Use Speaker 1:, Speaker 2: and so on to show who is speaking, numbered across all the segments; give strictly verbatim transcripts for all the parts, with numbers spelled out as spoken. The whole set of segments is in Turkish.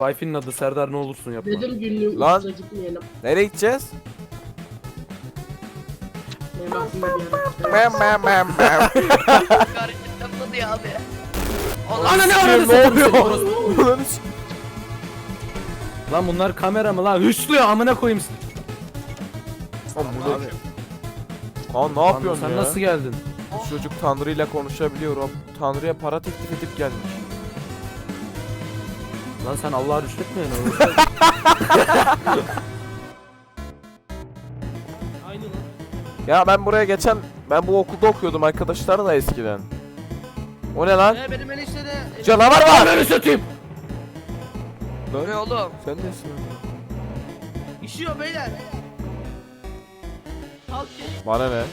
Speaker 1: Wi-Fi'nin adı Serdar, ne olursun yapma.
Speaker 2: Dedim günlüğün
Speaker 3: Lan.
Speaker 2: ucuza gitmeyelim.
Speaker 3: Nereye gideceğiz?
Speaker 2: Benim aklımda bir yer.
Speaker 3: Mem mem mem mem.
Speaker 4: Hareketten tadı ya abi.
Speaker 1: Ana ne
Speaker 3: Sikeyim,
Speaker 1: arada
Speaker 3: ne
Speaker 1: satayım seni
Speaker 3: oluyor?
Speaker 1: orospu.
Speaker 3: Ulan hiç-
Speaker 1: Lan bunlar kamera mı lan? Hüslüyor amına koyayım.
Speaker 3: Lan bu ne? Kaan ne
Speaker 1: Lan
Speaker 3: yapıyorsun
Speaker 1: sen
Speaker 3: ya?
Speaker 1: nasıl geldin?
Speaker 3: Bu çocuk Tanrı'yla konuşabiliyor. O Tanrı'ya para teklif edip gelmiş.
Speaker 1: Lan sen Allah'a rüşvet mi yani?
Speaker 2: Aynı lan.
Speaker 3: Ya ben buraya geçen ben bu okulda okuyordum arkadaşlarla eskiden. O ne lan?
Speaker 2: Ee, benim enişte de...
Speaker 3: Canavar var.
Speaker 1: Ananı satayım.
Speaker 4: Ne oğlum?
Speaker 3: Sen nesin?
Speaker 2: İşiyor beyler. Kalk gel.
Speaker 3: Bana ne?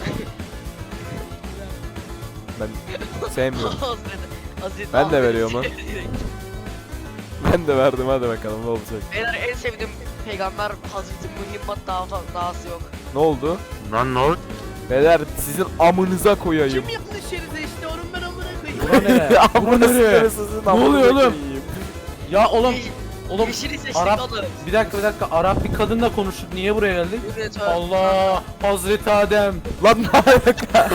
Speaker 3: Ben sevmiyorum.
Speaker 4: Hazreti. Hazreti
Speaker 3: Ben de
Speaker 4: Ahmet.
Speaker 3: veriyorum lan. Ben de verdim, hadi bakalım ne olacak.
Speaker 4: Beyler en sevdiğim peygamber Hazreti Muhammed daha dahası yok.
Speaker 3: Ne oldu?
Speaker 5: Lan ne oldu?
Speaker 3: Beyler sizin amınıza koyayım.
Speaker 2: Kim yapmış şeride işte onun ben amına koyayım.
Speaker 1: Bura ne?
Speaker 3: Amına
Speaker 1: Bura ne?
Speaker 3: sikeri sizin
Speaker 1: Ne
Speaker 3: amınıza
Speaker 1: oluyor oğlum?
Speaker 3: koyayım.
Speaker 1: Ya oğlum,
Speaker 4: Yeş-
Speaker 1: oğlum
Speaker 4: Yeşili seçtik
Speaker 1: Arap,
Speaker 4: oğlum.
Speaker 1: bir dakika bir dakika, Arap bir kadınla konuştuk, niye buraya geldik?
Speaker 4: Yürü, tövbe.
Speaker 1: Allah, Hazreti Adem.
Speaker 3: Lan ne alaka?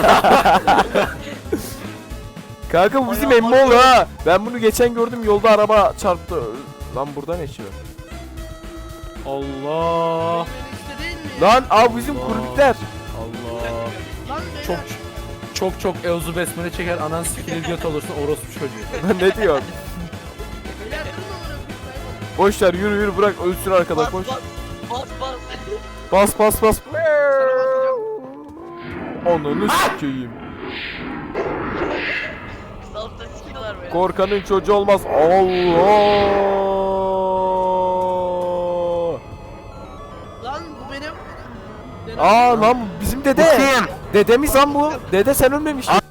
Speaker 3: Kanka bu bizim
Speaker 4: Ay,
Speaker 3: emmi
Speaker 4: aman
Speaker 3: oğlu ha. Ben bunu geçen gördüm, yolda araba çarptı. Lan burada ne işi var?
Speaker 1: Allah.
Speaker 2: Benim enişte değil mi?
Speaker 3: Lan abi bizim
Speaker 1: Allah.
Speaker 3: kurbikler.
Speaker 1: Allah.
Speaker 2: Lan beyler.
Speaker 1: Çok çok çok evzu besmele çeker, anan sikilir göt olursun orospu çocuğu.
Speaker 3: Lan ne diyorsun?
Speaker 2: Beyler durun amına koyayım.
Speaker 3: Boş ver, yürü yürü, bırak ölsün arkadaş,
Speaker 4: Bas
Speaker 3: koş.
Speaker 4: bas. Bas bas.
Speaker 3: Bas bas bas.
Speaker 2: Sana
Speaker 3: Ananı sikeyim.
Speaker 4: Altta sikiyorlar böyle.
Speaker 3: Korkanın çocuğu olmaz. Allah.
Speaker 2: Lan bu benim.
Speaker 3: Aa lan bu bizim dede. Dedemiz lan bu. Dede sen ölmemiştin.